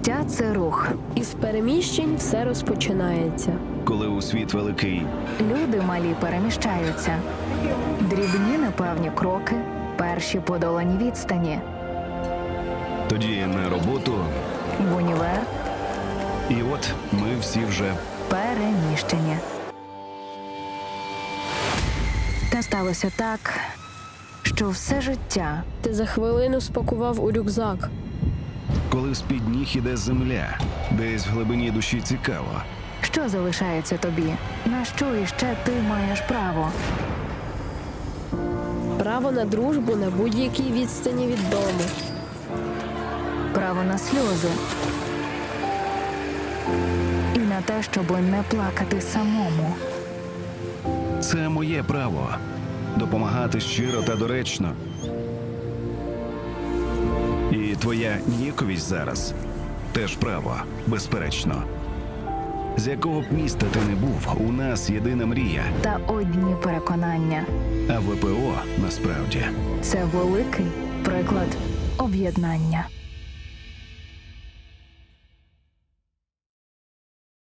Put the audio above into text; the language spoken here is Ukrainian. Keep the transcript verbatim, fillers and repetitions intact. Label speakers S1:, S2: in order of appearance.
S1: Життя – це рух.
S2: Із переміщень все розпочинається.
S3: Коли у світ великий,
S1: Люди малі переміщаються. Дрібні непевні кроки, перші подолані відстані.
S3: тоді на роботу,
S1: В універ
S3: і от ми всі вже
S1: переміщені. Та сталося так, що все життя
S2: Ти за хвилину спакував у рюкзак.
S3: коли з-під ніг іде земля, десь в глибині душі цікаво.
S1: що залишається тобі, на що іще ти маєш право.
S2: Право на дружбу на будь-якій відстані від дому.
S1: Право на сльози. І на те, щоб не плакати самому.
S3: Це моє право допомагати щиро та доречно. І твоя ніяковість зараз теж право, безперечно. З якого б міста ти не був, у нас єдина мрія,
S1: Та одні переконання.
S3: а ВПО насправді
S1: Це великий приклад об'єднання.